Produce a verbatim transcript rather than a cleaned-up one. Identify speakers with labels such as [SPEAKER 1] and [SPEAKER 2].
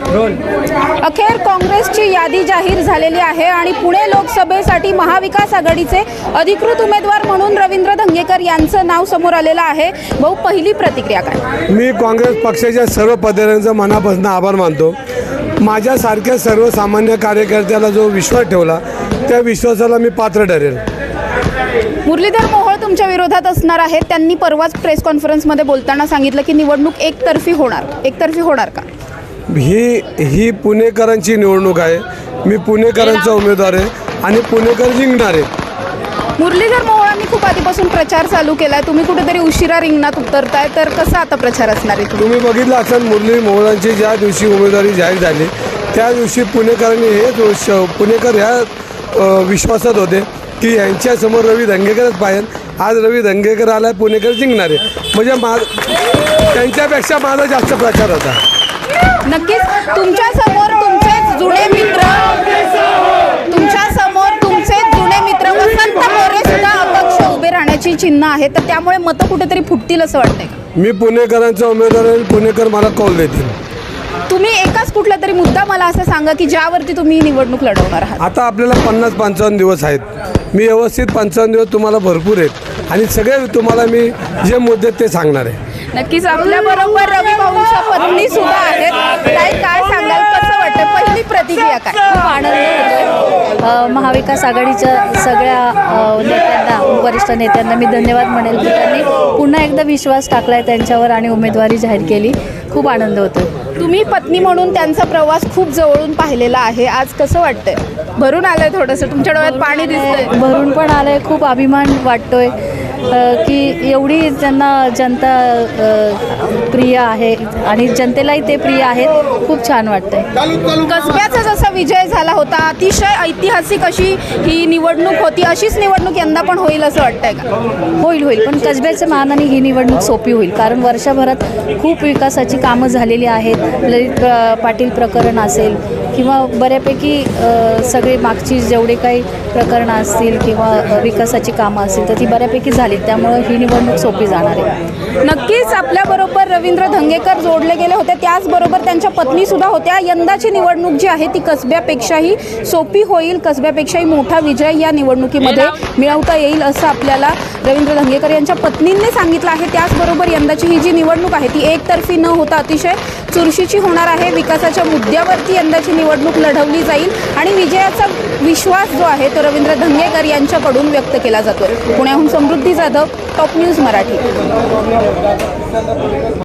[SPEAKER 1] अखेर काँग्रेसची यादी जाहीर झालेली आहे आणि पुणे लोकसभेसाठी महाविकास आघाडीचे अधिकृत उमेदवार म्हणून रवींद्र धंगेकर यांचं नाव समोर आलेलं आहे। भाऊ, पहिली प्रतिक्रिया काय?
[SPEAKER 2] मी काँग्रेस पक्षाच्या सर्व पदाधिकाऱ्यांचा मनापासून आभार मानतो। माझ्यासारख्या सर्वसामान्य कार्यकर्त्याला जो विश्वास ठेवला त्या विश्वासाला मी पात्र ठरेल।
[SPEAKER 1] मुरलीधर मोहोळ तुमच्या विरोधात असणार आहेत। त्यांनी परवाच प्रेस कॉन्फरन्समध्ये बोलताना सांगितलं की निवडणूक एकतर्फी होणार एकतर्फी होणार का?
[SPEAKER 2] ही ही पुणेकरांची निवडणूक आहे। मी पुणेकरांचा उमेदवार आहे आणि पुणेकर जिंकणार आहे।
[SPEAKER 1] मुरलीधर मोहोळांनी खूप आधीपासून प्रचार चालू केलाय, तुम्ही कुठेतरी उशिरा रिंगणात उतरताय, तर कसा आता प्रचार असणार आहे?
[SPEAKER 2] तुम्ही बघितलं असेल मुरली मोहोळांची ज्या दिवशी उमेदवारी जाहीर झाली त्या दिवशी पुणेकरांनी हेच पुणेकर ह्या विश्वासात होते की यांच्यासमोर रवी धंगेकरच पाहिजे। आज रवी धंगेकर आला, पुणेकर जिंकणार आहे, म्हणजे मा त्यांच्यापेक्षा माझा जास्त प्रचार होता।
[SPEAKER 1] नक्कीच तुमच्या समोर तुमचेच जुने मित्र तुमच्या समोर तुमचेच जुने मित्र वसंत मोरे सुद्धा अपक्ष उभे राहण्याची चिन्ह आहे, तर त्यामुळे मतं कुठेतरी फुटतील असं वाटतंय का?
[SPEAKER 2] मी पुणेकरांचा उमेदवार आहे, पुणेकर मला कौल देतील।
[SPEAKER 1] तुम्ही एकाच कुठला तरी मुद्दा मला असं सांगा की ज्यावरती तुम्ही ही निवडणूक लढवणार आहात।
[SPEAKER 2] आता आपल्याला पन्नास पंचावन्न दिवस आहेत, मी व्यवस्थित पंचावन्न दिवस तुम्हाला भरपूर आहेत आणि सगळे तुम्हाला मी जे मुद्दे ते सांगणार आहे।
[SPEAKER 1] नक्कीच आपल्याबरोबर रवी भाऊंच्या पत्नी सुद्धा आहेत। काय काय सांगाल, कसं वाटतं, पहिली प्रतिक्रिया काय?
[SPEAKER 3] खूप आनंद होतो। महाविकास आघाडीच्या सगळ्या अ, नेत्यांना, वरिष्ठ नेत्यांना मी धन्यवाद म्हणेल की त्यांनी पुन्हा एकदा विश्वास टाकलाय त्यांच्यावर आणि उमेदवारी जाहीर केली। खूप आनंद होतो।
[SPEAKER 1] तुम्ही पत्नी म्हणून त्यांचा प्रवास खूप जवळून पाहिलेला आहे, आज कसं वाटतंय? भरून आलंय थोडंसं, तुमच्या डोळ्यात पाणी दिसतंय?
[SPEAKER 3] भरून पण आलंय, खूप अभिमान वाटतोय की एवढी त्यांना जनता अ, प्रिय आहे आणि जनतेलाही ते प्रिय आहेत। खूप छान वाटतंय।
[SPEAKER 1] कसब्याचा जसा विजय झाला होता, अतिशय ऐतिहासिक अशी ही निवडणूक होती, अशीच निवडणूक यंदा पण होईल असं वाटतंय का?
[SPEAKER 3] होईल होईल पण कसब्याच्या मानाने ही निवडणूक सोपी होईल, कारण वर्षभरात खूप विकासाची कामं झालेली आहेत। ललित प्र पाटील प्रकरण असेल किंवा बऱ्यापैकी अ, सगळे मागची जेवढे काही प्रकरणं असतील किंवा विकासाची कामं असतील तर ती बऱ्यापैकी झाली, त्यामुळे ही निवडणूक सोपी जाणार आहे।
[SPEAKER 1] नक्कीच आपल्याबरोबर रवींद्र धंगेकर जोडले गेले होते, त्याचबरोबर त्यांच्या पत्नीसुद्धा होत्या। यंदाची निवडणूक जी आहे ती कसब्यापेक्षाही सोपी होईल, कसब्यापेक्षाही मोठा विजय या निवडणुकीमध्ये मिळवता येईल असं आपल्याला रवींद्र धंगेकर यांच्या पत्नींनी सांगितलं आहे। त्याचबरोबर यंदाची ही जी निवडणूक आहे ती एकतर्फी न होता अतिशय चुरशीची होणार आहे। विकासाच्या मुद्द्यावरती यंदाची निवडणूक लढवली जाईल आणि विजयाचा विश्वास जो आहे तो रवींद्र धंगेकर यांच्याकडून व्यक्त केला जातो। पुण्याहून समृद्धी जाधव, टॉप न्यूज मराठी।